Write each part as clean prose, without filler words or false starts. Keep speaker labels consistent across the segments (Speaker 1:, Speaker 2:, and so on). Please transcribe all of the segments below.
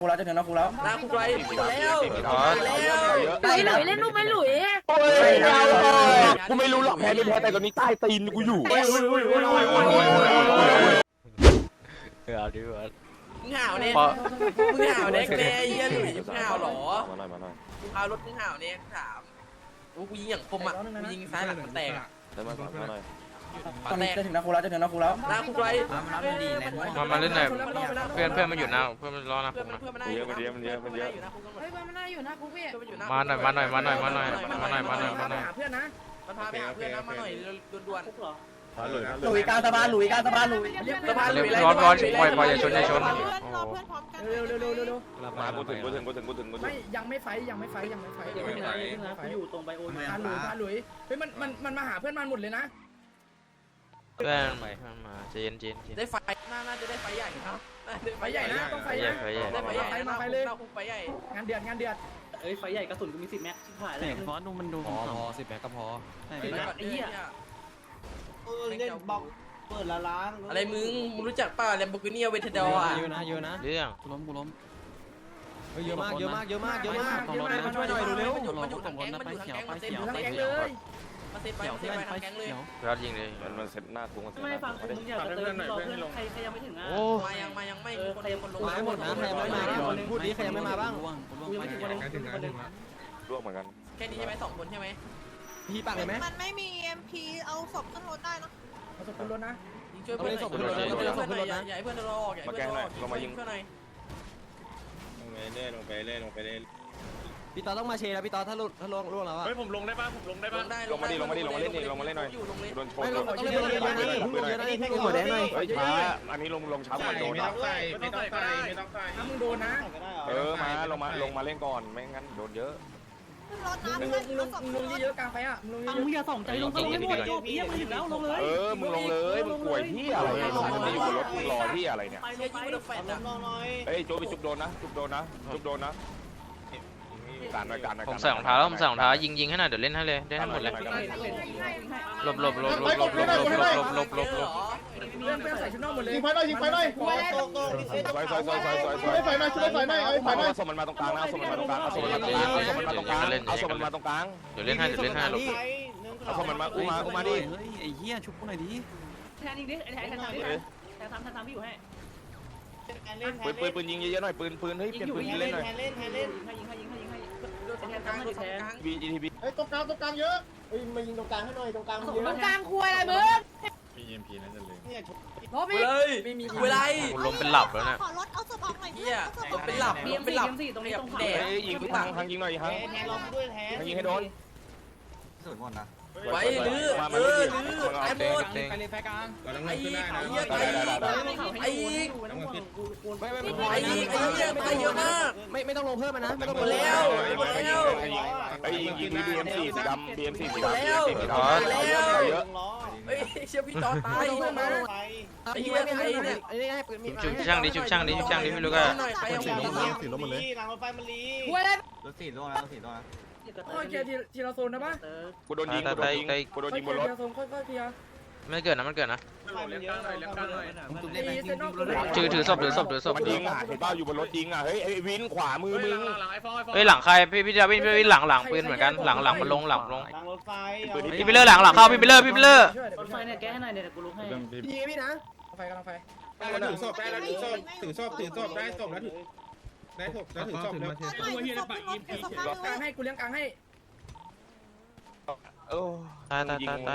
Speaker 1: กูแล้วจะถึงนะกูแล้ว
Speaker 2: คุกไรแล้ว
Speaker 3: ไปหลุยเล่นลูกไปหลุย
Speaker 4: กูไม่รู้หรอกแพ้ไม่แพ้แต่ตอนนี้ใต้ตีนกูอยู่
Speaker 2: เอาดิวะมึงห่าวเนี่ยมึงห่าวเนี่ยแกยันหลุยมึงห่าวหรอมาหน่อยพารถมึงห่าวเนี่ยถามกูยิงอย่างคมอ่ะกูยิงซ้ายหลังแตกแต่มาหน่อย
Speaker 1: ตอนนี้จะถึงนะกูแล้วจะถึงนะกูแล้ว
Speaker 2: คุกไร
Speaker 5: มาเล่นหน่อยเพื่อนมันอยู่หน้าเพื่อนมันรอนะผมนะ
Speaker 4: เยอะมันเยอะ
Speaker 3: เฮ้ยมันน่าอยู่นะกูพี่
Speaker 5: มาหน่อยเพื่อนนะ
Speaker 2: มันพาไปหาเพื่อนนะมาหน่อยด่วน
Speaker 1: หลุยกลางสะพานหลุยกลางสะพานหลุย
Speaker 5: ร้อนปล่อยอย่าชน
Speaker 3: รอเพื่อนพร้อมกัน
Speaker 1: เร็ว
Speaker 4: มากูถึง
Speaker 1: ไม่ยังไม่ไฟอยู่ตรงไบโอพาหลุยเฮ้ยมันมาหาเพื่อนมันหมดเลยนะ
Speaker 5: เพื่อนมาเจน
Speaker 2: ได้ไฟน่าจะได้ไฟใหญ่ครับ
Speaker 1: ไฟใหญ่นะต้องไฟนะได้ไฟใหญ่มาไฟเลยไฟใหญ่งานเดือด
Speaker 6: เอ้ยไฟใหญ่กระสุนกูมี10 แม็กชิบหายแล้วฟอนดูมันดูพอ10 แม็กก็พอ
Speaker 2: ไอ้เหี้ย
Speaker 6: เล่นบล็อกเปิดละล้าง
Speaker 2: อะไรมึงรู้จักป่ะแลมโบกินี่เวทเดอร์อ่ะ
Speaker 6: เยอะนะ
Speaker 5: เรื่อง
Speaker 6: กูล้มเยอะมากมาช่วยหน่อยเร็วๆมันอยู่ทางแก๊งมันอยู่ทางแก๊งมาเซ็ตไปเขียว
Speaker 2: มาเซ็ตไปทางแก๊งเลย
Speaker 5: ยอดยิงเลย
Speaker 4: มันเซ็ตหน้ากูมันเซ็ต
Speaker 6: ไม่ฟังมึงอยากจะเติมรอเพื่อนใครยังไม่ถึงอ่ะ
Speaker 2: มายังไม่คนลง
Speaker 6: มาหมดนะใครยังไม่มาพูดดิใครยังไม่มาบ้างกูยังไม่ถึงคนนึง
Speaker 4: ร่วงเหมือนกัน
Speaker 2: แค่นี้ใช่ไหม2 คนใช่ไหม
Speaker 6: พี่ปักเลยไหม
Speaker 3: มันไม่มี MP เอาศพขึ้นรถได้นะ
Speaker 1: เอาศพขึ้นรถนะ
Speaker 2: ช่วยเพื่อนหน่อยอย่าให้เพื่อนรอออกอย่าให้เพื่อนรอออกลงมายิงเพื่อนหน่อย
Speaker 4: ลงไปเล่น
Speaker 6: พี่ต่อต้องมาเชแล้วพี่ต่อถ้าล่วงแล้วอ่ะ
Speaker 7: เฮ้ยผมลงได้ป่ะ
Speaker 4: ลงมาเล่นหน่อยโดนชน
Speaker 6: หัวแดงหน่อย
Speaker 4: ช้าอันนี้ลงช้าก่อนโดน
Speaker 7: ไม่ต้องใส่
Speaker 1: ถ้ามึงโดนนะ
Speaker 4: มาลงมาเล่นก่อนไม่งั้นโดนเยอะ
Speaker 3: ขึ้นรถนะ
Speaker 1: มึงเยอะกลางไปอ่ะมึง
Speaker 6: มึงอย่าส่งใจลงไม่หมดโจพี่ยังไม่ถึงแล้วลงเลย
Speaker 4: มึงลงเลยมึงป่วยที่อะไรมันอยู่บนรถมึงรอที่อะไรเนี่ย
Speaker 2: เชื่อยิงมันแฟนอ่ะ
Speaker 4: เฮ้ยโจไปจุบโดนนะการหน่อย
Speaker 5: ผมใส่รองเท้าแล้วยิงให้หน่อยเดี๋ยวเล่นให้เลยได้ทั้งหมดเลยหลบ
Speaker 1: เพื่อนใส่ชุดนอกหมดเลย
Speaker 7: ยิงไฟหน่อย
Speaker 4: ซอยส่งมันมาตรงกลางนะส่งมันมาตรงกลางเอาส่งมันมาตรงกลาง
Speaker 5: เดี๋ยวเล่นให้หลบ
Speaker 4: เอาส่งมันมาอุ้มมาดิ
Speaker 6: ไอ้เหี้ยชุบกูหน่อยดิแทนยิงดิแทนทำพี่อยู่ให้
Speaker 4: ปืนยิงเยอะๆหน่อยปืนเฮ้ยเปลี่ยนปืนเล่นหน่อย
Speaker 6: ให้
Speaker 4: BGTB
Speaker 7: เฮ้ยตรงกลางเยอะเฮ้ยมายิงตรงกลางให้หน่อยตรงกลางเยอะ
Speaker 3: ตรงกลางคุยอะไรมึง
Speaker 7: มี EMP นั่นเลย
Speaker 3: รถพี่
Speaker 2: เลยเวลา
Speaker 5: ลมเป็นหลับแล้วเนี่ย
Speaker 3: ขอรถเอาศพออกหน่อย
Speaker 2: เฮียเป็นหลับตรงนี้ตรงแดด
Speaker 4: ยิงทางยิงหน่อยฮะ
Speaker 6: แทนลองด้วยแทน
Speaker 4: ยิงให้โดน
Speaker 2: ไว้หรือไอ้หมด
Speaker 7: ไปเลยไฟกลางเราต้อง
Speaker 2: ไอ้
Speaker 7: ขึ้นได้นะ
Speaker 2: เหี้ยไอ้เหี้ยตายเยอะมาก
Speaker 6: ไม่ต้องลงเพิ่มนะไม่ต้อง
Speaker 2: หม
Speaker 6: ล
Speaker 2: ด
Speaker 6: ง
Speaker 2: แล้ว
Speaker 4: ไอ้ยิงBM4 สีดำ BM4 สีดำ
Speaker 2: เยอะเฮ้ยเชี่ยพี่ต่อตายไอ้เหี้ยไอ้เนี่ย
Speaker 6: ไอ้นี่ให้ปืนมี
Speaker 5: ชุบช่างดิไม่รู้ก็
Speaker 2: ไปเอา
Speaker 7: สีลมหมดเลย
Speaker 6: หลังรถไฟมันลี
Speaker 3: คุยอะไร
Speaker 1: โอ้ยเกียร์ทีละโซนนะป่ะ
Speaker 4: กูโดนยิงบนรถ
Speaker 1: ค่อยๆเคลียร์
Speaker 5: ไม่เกิดนะ ถือศพ
Speaker 4: มันยิงอ่ะเห็นป่าวอยู่บนรถยิงอ่ะเฮ้ยไอ้วินขวามือมึง
Speaker 5: เฮ้ยหลังใครพี่ดาวินหลังปืนเหมือนกันหลังมันลง
Speaker 6: หลังรถไฟ
Speaker 5: พี่ไปเลอร์หลังเข้าพี่ไปเลอร์
Speaker 6: รถไฟเนี่ยแก้ให้หน่อยเดี๋ยวกูลุกให้
Speaker 1: พี่นะไฟกำลังไฟ
Speaker 7: ถือศพได้แล้วถือศพได้ศพแล้วถือศพแล้ว
Speaker 1: กลางให้กูเลี้ยงกลางให้
Speaker 5: ตาย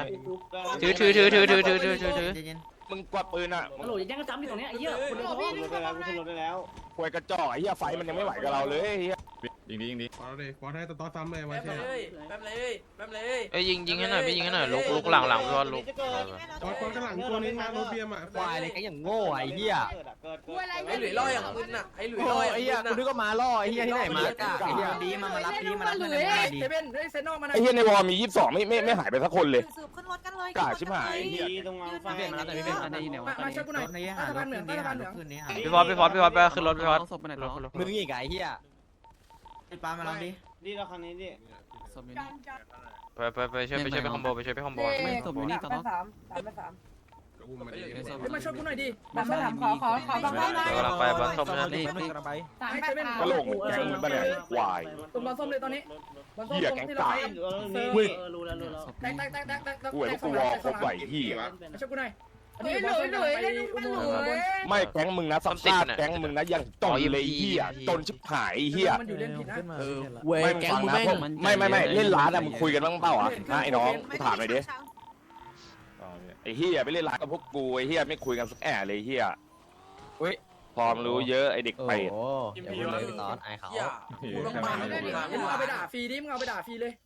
Speaker 5: ถือ
Speaker 4: มึงกวาดปืนอ่ะ
Speaker 6: ฮัลโหลยังก็จำอยู่ตรงนี้ไอ้เหี้ยคุณรถได้แล้ว
Speaker 4: ควยกระจอกไอ้เหี้ยไฟมันยังไม่ไหวกับเราเลยเหี้ย
Speaker 7: ยิงฟอสให้ต่อซ้ำเลยมา
Speaker 2: แป๊บ
Speaker 7: เช่
Speaker 2: เลย
Speaker 5: เอ้ยยิงให้หน่อยพี่ยิงให้หน่อยลุกหลังพี่ว่าลุก
Speaker 7: ฟอสข้างหลังตัวนึงนะรถเบียมอ่ะ
Speaker 6: ควายอะไรกันอย่างโง่ไอ้เหี้ย
Speaker 3: คุยอะไร
Speaker 2: ไอ้หลุยล่ออย่างมึนอ่ะไอ้หลุย
Speaker 6: โอ้
Speaker 2: ล่อย
Speaker 6: ไอ้เหี้ยกูนึกว่ามาล่อไอ้เหี้ยที่ไหนมาไอ้เหี้ยดีมารับดีมารับ
Speaker 1: เซเว่นเซนนอกมา
Speaker 4: ไอ้เหี้ยในวอลมี22ไม่หายไปสักคนเลย
Speaker 3: สืบขึ้นรถกันเลย
Speaker 4: กล้าชิบหายเหี้ย
Speaker 6: ตรงไฟมารับแต่ไม่เป็นอันนี้เนี่ย
Speaker 1: มาช่วยกูหน่อยใต้สะพานเหนือใต้สะพานเหนือ
Speaker 5: พี่พอดไปขึ้นรถพี่พอด
Speaker 6: มึงอีกไอ้เหี้ย
Speaker 1: ปามาแล้วดิ
Speaker 6: นี่เราคันนี้ดิ
Speaker 5: ไปช่วยไปคอมโบ
Speaker 6: ไม่ศพอยู่นี่ต่อ
Speaker 1: 3 มาช่วยกูหน่อยดิ
Speaker 3: บังคับขอบังคับหน่อย
Speaker 5: กำลังไปบ้านส้มนะ
Speaker 6: นี่กำลังไป
Speaker 4: กระโหลกเหมือนแกงมึงปะเนี่ยควาย
Speaker 1: ตรงบอลส้มเลยตอนนี้บอลส้ม
Speaker 4: เหี้ยแกง
Speaker 1: ที่
Speaker 4: กา
Speaker 1: เรา
Speaker 7: รู้แล้ว
Speaker 1: แตก
Speaker 4: กูเห็นกูวอลครบไหวที่
Speaker 1: มาช่วยกูหน่อย
Speaker 3: หลุยเล่นลูกมันหลุย
Speaker 4: ไม่แก๊งมึงนะสัมภาษณ์แก๊งมึงนะยังจนเลยเฮียจนชิบหายเฮีย
Speaker 1: มันอยู่เล่นผิดนะ
Speaker 2: เว้ยแก๊งมึงแม่ง
Speaker 4: ไม่เล่นร้านอะมึงคุยกันบ้างเปล่าอ่ะไอ้น้องกูถามหน่อยดิไอ้เฮียไปเล่นร้านกับพวกกูไอ้เฮียไม่คุยกันสักแอะเลยเฮียพร้อมรู้เยอะไอ้เด็กเป็ด
Speaker 6: อย่าพูดเลยตอนไอเขา
Speaker 2: อย่ากูต้องมาแล้วกู
Speaker 1: มึงเอาไปด่าฟรีดิมึงเอาไปด่าฟรีเลย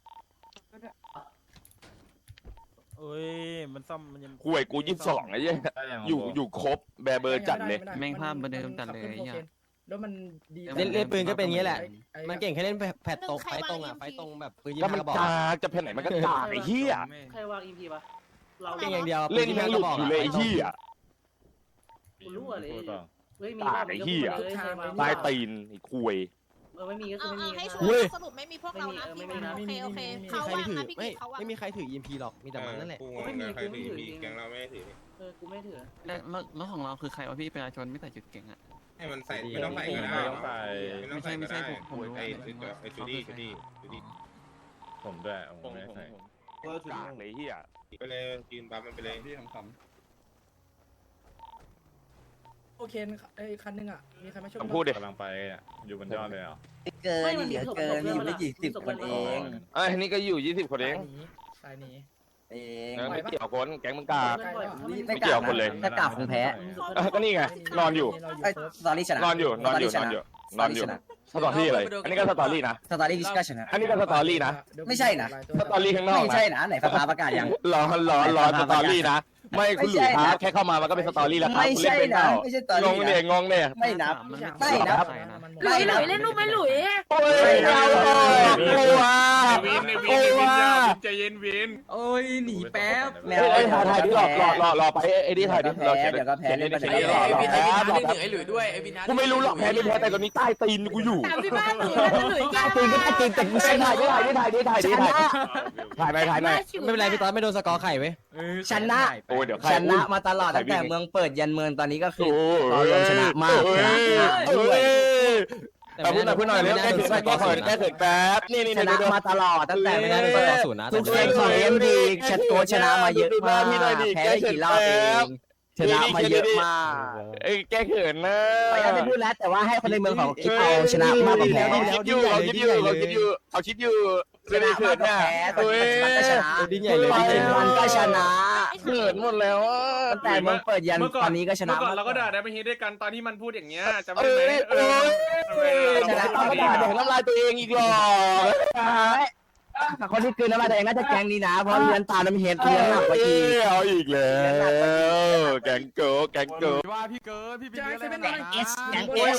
Speaker 6: เอ้ยมันซ่อมมันยัง
Speaker 4: คุยกู22ไอ้เหี้ยอยู่ครบแบร์เบอร์จัดเลย
Speaker 1: แม่งภาพเดิมจัดเลยแล้วมันดี
Speaker 8: เล่นปืนก็เป็นอย่างนี้แหละ มันเก่งแค่เล่นแผดตรงไฟตรงอ่ะไฟตรงแบบปืนยิง
Speaker 4: แล้วมัน
Speaker 8: กระบอก
Speaker 4: กากจะเพนไหนมันก็กากไอ้เหี้ย
Speaker 9: ใครวาง EP ปะเรา
Speaker 8: เก่งอย่างเดียว
Speaker 4: เล่นทั้งหลุดอยู่เลยไอ้เหี้ย
Speaker 9: กูรู้อะไรเฮ้ยมี
Speaker 4: กากไอ้เหี้ยตายตีนไอ้คุย
Speaker 9: ไม่มีก็คือไม่มี
Speaker 3: ให้ช่วยสรุปไม่มีพวกเรานะพี่โอเค
Speaker 8: ไม่มี
Speaker 3: เขา
Speaker 8: ใคร
Speaker 3: วาง
Speaker 8: ถือ
Speaker 3: นะพี่
Speaker 8: ไม่
Speaker 3: เขาวาง
Speaker 8: ไม่มีใครถือ EMP หรอกมีแต่มันนั่นแหละ
Speaker 7: กูใครถือมีแกงเราไม่ถือ
Speaker 9: กูไม่ถือ
Speaker 10: แล้วของเราคือใครวะพี่ประชาชนไม่ใส่จุดเก่งอ่ะ
Speaker 7: ให้มันใส่ไม่ต้องใส่ก็ได้ไม่ต้องใส่ก็ได้ไอ้จูดี้
Speaker 4: ผมด้วยผมไม่ใส่กากเลยเหี้ย
Speaker 7: ไปเลยยืนปั๊มมันไปเลย
Speaker 6: พี่ทำ
Speaker 1: โอเคไอ้คันนึงอ่ะมีใครมาช่วย
Speaker 4: ผมพูดดิ
Speaker 6: กำลังไปอยู่บนยอดเลยอ่ะ
Speaker 9: เกินเหลือเกินอยู่ไม่กี่สิบคนเอง
Speaker 4: ไอ้นี่ก็อยู่20คนเอง
Speaker 1: สายหนี
Speaker 9: เอง
Speaker 4: ไม่เกี่ยวคนแก๊งมึงกาก
Speaker 9: ไม่
Speaker 4: เกี่ยวคนเลย
Speaker 9: ถ้ากลับคงแพ้
Speaker 4: ก็นี่ไงนอนอยู่
Speaker 9: สตอรี่ชนะ
Speaker 4: นอนอยู่สตอรี่อะไรอันนี้ก็สตอรี่นะ
Speaker 9: สตอรี่ก็ชนะ
Speaker 4: อันนี้ก็สตอรี่นะ
Speaker 9: ไม่ใช่นะ
Speaker 4: สตอรี่ข้างนอก
Speaker 9: ไม่
Speaker 4: นะ
Speaker 9: ใช่นะไหนฟ้าประกาศยัง
Speaker 4: รอสตอรี่นะไม่คุณหลุยครับแค่เข้ามามันก็เป็นสตอรี่แล้วครับ
Speaker 9: ไม่
Speaker 4: คุณเล่
Speaker 9: ใช่
Speaker 4: นเป็นเป
Speaker 9: นะ
Speaker 4: ล่า
Speaker 9: ไม่ใช่สตอรี่
Speaker 4: งงเนี่ยงงเนี่ย
Speaker 9: ไม่นับ ไม่นะ
Speaker 3: หลุยเล่นลูกไหมหลุย
Speaker 4: โอ้ยเอาออกกลัวกลัว
Speaker 6: ใจเย็นวิน
Speaker 10: โอ้ยหนีแป๊บ
Speaker 9: แม
Speaker 4: เอ้
Speaker 9: วย
Speaker 4: ถ่ายดิรอไปไอ้นี่ถ่ายดิรอเขียน
Speaker 9: เดี๋ยวก็แพ้
Speaker 4: เขียน
Speaker 9: เล่น
Speaker 4: เขียน
Speaker 2: ไอ้
Speaker 4: รอ
Speaker 2: วิน
Speaker 4: แพ้
Speaker 2: ไอ้วินไอ้หลุยด้วยไอ้วิน
Speaker 4: กูไม่รู้หรอกแพ้ไม่แพ้แต่ตอนนี้ใต้ตีนกูอยู่
Speaker 3: ถามที่บ้านหลุยหลุย
Speaker 4: ใต้ตีนก็ใต้ตีนแต่กูใช่ถ่ายไม่
Speaker 8: ไม่เป็นไรพี่ตอนไม่โดนสกอร์ไข่เว้ย
Speaker 9: ชนะ
Speaker 4: โอ้เดี๋ยว
Speaker 9: ชนะมาตลอดตั้งแต่เมืองเปิดยันเมืองตอนนี้ก็คือเราชนะมากชนะด้วย
Speaker 4: พูดหน่อยเร็วแก้เขินแก้เขินแป๊บนี่
Speaker 9: ชนะมาตลอดตั้งแต่
Speaker 8: ไม่ได้โดนสกอร์ศูนย์นะ
Speaker 9: ทุกเกมของเอ็มดีชนะมาเยอะมากแพ้ได้กี่รอบเองชนะมาเยอะมาก
Speaker 4: แก้เขินนะ
Speaker 9: พยายามจะพูดแล้วแต่ว่าให้คนในเมืองของคิดเอาชนะมากกว่าแพ้
Speaker 4: เขาคิดอยู่
Speaker 9: ชนะมากกว่าแพ้ตอนนี้มันก็ชนะ
Speaker 8: ดิ้นใหญ่เลย
Speaker 9: มันก็ชนะ
Speaker 4: เขินหมดแล้ว
Speaker 9: ตั้งแต่เมืองเปิดยันตอนนี้ก็ชนะ
Speaker 6: ก่อนเราก็ด่าได้ไปเฮดด้วยกันตอนที่มันพูดอย่างเงี้ยจำ
Speaker 4: เอ
Speaker 6: ได้ไหม
Speaker 4: ชนะต้องมาด่าแดกน้ำลายตัวเองอีกหรอ
Speaker 9: คนที่คืนน้ำลายตัวเองน่าจะแกงดีนะเพราะเลี้ยนตาน้ำเห็ดเลี้ยงหนักกว่าอีก
Speaker 4: เอาอีกแล้วแกงโก
Speaker 6: ว่าพี่เกิร์พี่
Speaker 1: จ่ายเซเว่นอะไร
Speaker 9: เอสแกงเอส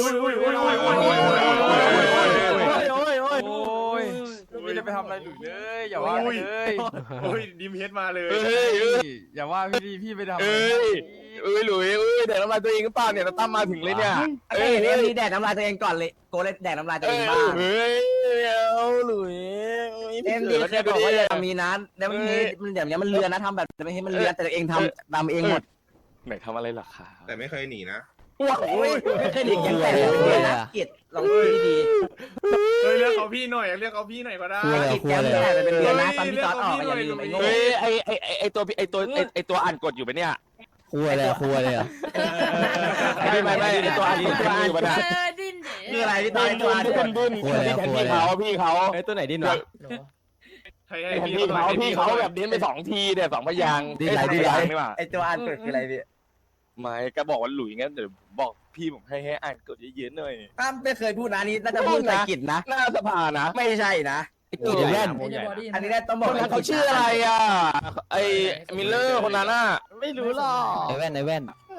Speaker 10: ไม่ได้ไปทำอะไรหลุยเลยอย่าว่าเลย
Speaker 6: โอ้ยดิมเฮดมาเลย
Speaker 10: อย่าว่าพี่ไปทำ
Speaker 4: หลุยแดกน้ำลายตัวเองก็เปล่าเนี่ยตั้มมาถึงเลยเนี่ย
Speaker 9: เอ้ยเอ็มดีแดกน้ำลายตัวเองก่อนเลยโกเลยแดกน้ำลายตัวเองบ้าง
Speaker 4: เอาหลุย
Speaker 9: เอ็มดีเคยบอกว่าอย่ามีนะแล้วมันเดี๋ยวนี้มันเลือนนะทำแบบไม่ให้มันเลือนแต่ตัวเองทำตามเองหมด
Speaker 4: ไหนทำอะไรล่ะคะ
Speaker 7: แต่ไม่เคยหนีนะ
Speaker 9: ว้าวไม่เคยหลีกยังแต่เป็นเดือนนะเกียรติลองดูดี
Speaker 6: เฮ้ยเรียกเขาพี่หน่อยเรียกเขาพี่หน่อยก็ได้
Speaker 9: ๆกิจแกมแต่เป็นเดือนนะตอนพี่ตอนออกอย่าลืมไอ้โง่
Speaker 4: เฮ้ยไอตัวอ่านกดอยู่ปะเนี่ย
Speaker 8: ครัวเลยอ่ะ
Speaker 4: ไม่ไอตัวอ่านกดอยู่ปะเนี่ย
Speaker 3: ดิ้น
Speaker 9: คืออะไรพี่ตอนตัว
Speaker 4: ดุนพี่แทนพี่เขา
Speaker 8: ไอ้ตัวไหนดิ้นวะ
Speaker 6: ให้
Speaker 4: แทนพี่เขาแบบเน้นไป2 ทีเนี่ย2 พยางนี่ว่า
Speaker 9: ไอ้ตัวอ่านเปิดคืออะไรพี่
Speaker 4: ไม่ก็บอกว่าหลุยงั้นเดี๋ยวบอกพี่ผมให้อ่านกดเยอะๆหน่อย
Speaker 9: อ้ามไม่เคยพูดนะนี่น่าจะพูดแต่กิจนะ
Speaker 4: หน้าสภานะ
Speaker 9: ไม่ใช่นะ
Speaker 8: กินแว่น
Speaker 9: อันนี้ต้องบ
Speaker 4: ค
Speaker 9: อก
Speaker 4: นนั้นเขาชื่ออะไรอ่ะไอมิลเลอร์คนนั้นอ่ะ
Speaker 8: ไม่รู้หรอกไอ้แว่น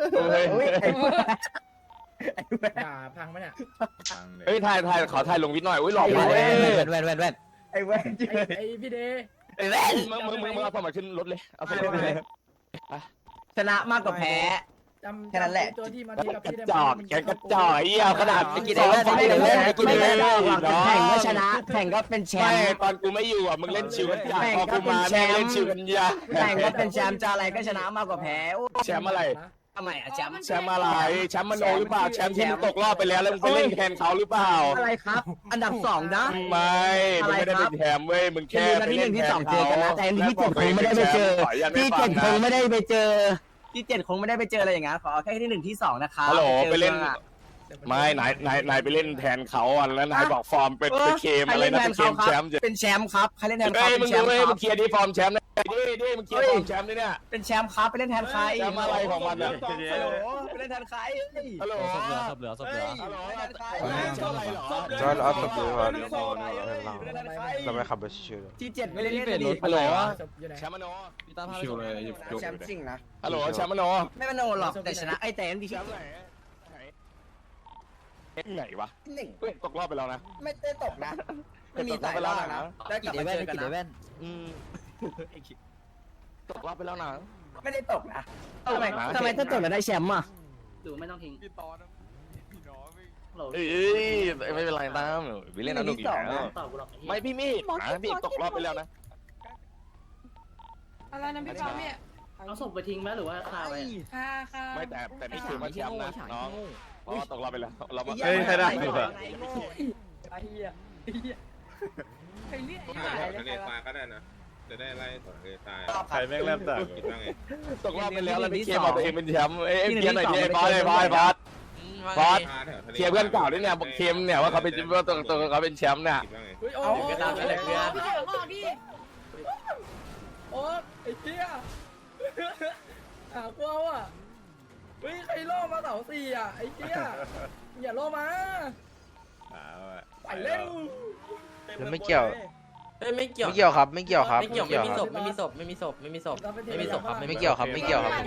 Speaker 1: ด่าพังไหมเนี่ย
Speaker 4: เฮ้ยถ่ายขอถ่ายลงวิดหน่อยอุ้ยหล่อ
Speaker 8: แว่
Speaker 4: มากเลย
Speaker 8: นแว่น
Speaker 9: ไอ้แว่น
Speaker 1: ไอ้พี่เดย์
Speaker 9: ไอ้แว่น
Speaker 4: มึงเอาสมัครขึ้นรถเลยเอาสมัครขึ้นเลย
Speaker 9: ชนะมากกว่าแพ้
Speaker 1: จำ
Speaker 9: แค่นั้นแหละ
Speaker 1: ตัวที่มาทีกับ
Speaker 4: กระ
Speaker 1: พี่ได้
Speaker 4: จอกแกกระจอกไอ้เหี้ยขนาด
Speaker 9: ไปกินเองได้ไปกินเองได้ไปกินเองได้แข่งก็ชนะแข่งก็เป็นแช
Speaker 4: ไม่
Speaker 9: มป์
Speaker 4: ตอนกูไม่อยู่อ่ะมึงเล่นชิวกันยาก
Speaker 9: แม่ง
Speaker 4: พอ
Speaker 9: ก็
Speaker 4: กู
Speaker 9: เป็น
Speaker 4: มา
Speaker 9: แช
Speaker 4: แม่ง
Speaker 9: มป์
Speaker 4: เล่นชิวกันยาก
Speaker 9: แข่งก็เป็นแชมป์จะอะไรก็ชนะมากกว่าแพ้
Speaker 4: แชมป์อะไร
Speaker 9: ทำไมอะแชมป์
Speaker 4: แชมป์อะไรแชมป์มโนหรือเปล่าแชมป์ที่มึงตกรอบไปแล้วแล้วมึงไปเล่นแทนเขาหรือเปล่า
Speaker 9: อะไรครับ อันดับ2นะ
Speaker 4: ไม่มึงไม่ได้เป็นแชมป์เว้ยมึง
Speaker 9: แค่
Speaker 4: แค่ไป
Speaker 9: ที่
Speaker 4: เล่น
Speaker 9: 1ที่
Speaker 4: แทน
Speaker 9: 2เจอ
Speaker 4: เขา
Speaker 9: กันนะแต่ที่7คงไม่ได้ไปเจอที่7คงไม่ได้ไปเจอที่7คงไม่ได้ไปเจออะไรอย่างนั้นขอแค่ที่1ที่2นะคะ
Speaker 4: ฮัลโหลไปเล่นไม่นายไปเล่นแทนเขาอ่ะแล้วนายบอกฟอร์มเป็นเคมอะไรนะเป็นเคมแชมป์
Speaker 9: เป็นแชมป์ครับใครเล่นแทน
Speaker 4: เฮ้
Speaker 9: เขา
Speaker 4: ย
Speaker 9: เป็
Speaker 4: มึ
Speaker 9: น
Speaker 4: ง
Speaker 9: แช
Speaker 4: ดู
Speaker 9: มป์
Speaker 4: เว้ย
Speaker 9: ค
Speaker 4: มึ
Speaker 9: รับ
Speaker 4: งเคลียร์ที่ฟอร์มแชมป์นะดิมึงเคลียร์ฟอร์มแชมป์นี่เนี่ย
Speaker 9: เป็นแชมป์ครับไปเล่นแทนใคร
Speaker 4: แชมป์อะไรของมันอ่ะ
Speaker 9: ฮัลโหลไปเล่นแทนใคร
Speaker 4: ฮัลโหล
Speaker 8: ศพเหลือศพเหลือศพเหลือ
Speaker 4: ฮัลโหล
Speaker 9: ไปเล่นแทนใคร
Speaker 4: แชมป์อะไรเหรอ
Speaker 5: จอร์ดเอาศพเหลือ
Speaker 4: เราไม่ขับไปชิว
Speaker 9: ที่7ไม่ได้เล่นดี
Speaker 4: ฮัลโหล
Speaker 1: อยู่ไหน
Speaker 4: แชมป์มโน
Speaker 8: พี่ตาพา
Speaker 7: ชิวเลยหยิบจุก
Speaker 9: แชมป์จริงนะ
Speaker 4: ฮัลโหลแชมป์มโน
Speaker 9: ไม่มันโนหรอกแต่ชนะไอ้แต่ดี
Speaker 4: แชมป์ไหนไหนวะเฮ้ยตกรอบไปแล้วนะ
Speaker 9: ไม่ได้ตกนะไม่มีสายล่านะได้กลับมาเจอกันนะ
Speaker 4: ตกรอบไปแล้วนะ
Speaker 9: ไม่ได้ตกนะทำไมถ้าตกแล้วได้แชมป์อ่ะ
Speaker 10: ดูไม่ต้องทิ้ง
Speaker 7: พี่ตอนพี่น้อง
Speaker 4: เอ้ยไม่เป็นไรตามวิเล่นสนุกอยู่แล้ว
Speaker 10: ตอบกูหรอก
Speaker 4: ไม่พี่มีดนะพี่ตกรอบไปแล้วนะ
Speaker 3: อะไรนะพี่จอมเนี่ย
Speaker 10: เอาศพไปทิ้งไหมหรือว่าคาไว้
Speaker 3: ค่ะ
Speaker 4: ไม่แต่นี่คือมาแชมป์นะน้องเพราะว่าตกรอบไปแล้วเรามา
Speaker 9: เฮ้ยใครได้
Speaker 1: ไอ้เหี้ยไอ้เหี้ยไอ้เหี้ย
Speaker 7: ทะเลทรายก็ได้นะ จะได้ไล่ต่อทะเลทราย
Speaker 4: ใครแม่งเริ่มต่าง
Speaker 7: คิดว่าไง
Speaker 4: ตกรอบไปแล้วแล้วพี่เคบอกตัวเองเป็นแชมป์เอ้ยเคลียร์หน่อยดิบอสเลยบอสบอส บอส เคลียร์เพื่อนเก่าด้วยเนี่ยบอกเคมเนี่ยว่าเขาเป็นว่าตัวเขาเป็นแชมป์เนี่ย
Speaker 7: คิดว่าไง
Speaker 1: เฮ้ยโอ้
Speaker 2: เดี๋ยวก็ตามกันเลยเพื่อน
Speaker 3: พี่เดี๋ยวก่อนดิ
Speaker 1: โอ้ไอ้เหี้ยกูเอาอ่ะเฮ้ยใครล่อมาเสา4อ่ะไอ้เหี้ยอย่าล่อมาไปเร็ว
Speaker 5: แล้วไม่เกี่ยว
Speaker 2: เอ้ยไม่เกี่ยว
Speaker 5: ไม่เกี่ยวครับไม่เกี่ยวครับ
Speaker 2: ไม่เกี่ยวไม่มีศพไม่มีศพไม่มีศพไม่มีศพไม่มีศพครับ
Speaker 5: ไม่เกี่ยวครับไม่เกี่ยวครับ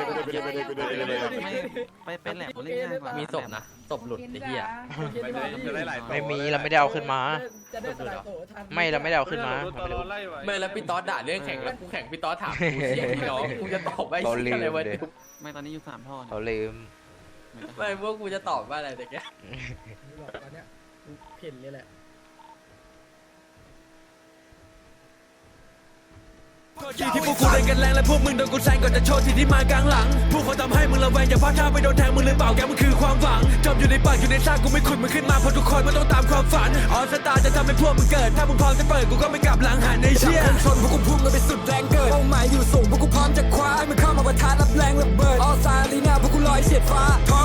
Speaker 10: ไปแหลมเล่นง่ายกว่า
Speaker 2: มีศพนะศพหลุดไอ้เหี้ย
Speaker 5: ไม่มีเราไม่ได้เอาขึ้นมา
Speaker 1: จะได้สลายโตทัน
Speaker 5: ไม่เราไม่ได้เอาขึ้นมา
Speaker 2: ไม่แล้วพี่ต๊อดด่าเรื่องแข่งแล้วกูแข่งพี่ต๊อดถามกูเสียพี่น้องกูจะตอบว่าไอ้เหี้ยอะไรวะ
Speaker 10: ไม่ตอนนี้อยู่3ท่อ
Speaker 5: เขาลืม
Speaker 2: ไม่พวกกูจะตอบว่าอะไรแต่แก
Speaker 1: ตอนเนี้ยกูเพ่นเลยแหละ
Speaker 11: ที่พวกกูเล่นกันแรงและพวกมึงโดนกูแซงก่อนจะโชว์ที่ที่มากลางหลังพวกเขาทำให้มึงระแวงอย่าพลาดท่าไปโดนแทงมึงหรือเปล่าแกมันคือความหวังจมอยู่ในปากอยู่ในซากกูไม่ขุดมึงขึ้นมาเพราะทุกคนมันต้องตามความฝันออสตาจะทำให้พวกมึงเกิดถ้ามึงพร้อมจะเปิดกูก็ไม่กลับหลังหันในเชี่ยชนพวกกูพุ่งกันไปสุดแรงเกิดเป้าหมายอยู่สูงพวกกูพร้อมจะคว้าให้มันเข้ามาประทะรับแรงระเบิดออสตาลีนาพวกกูลอยเฉียดฟ้าท้อง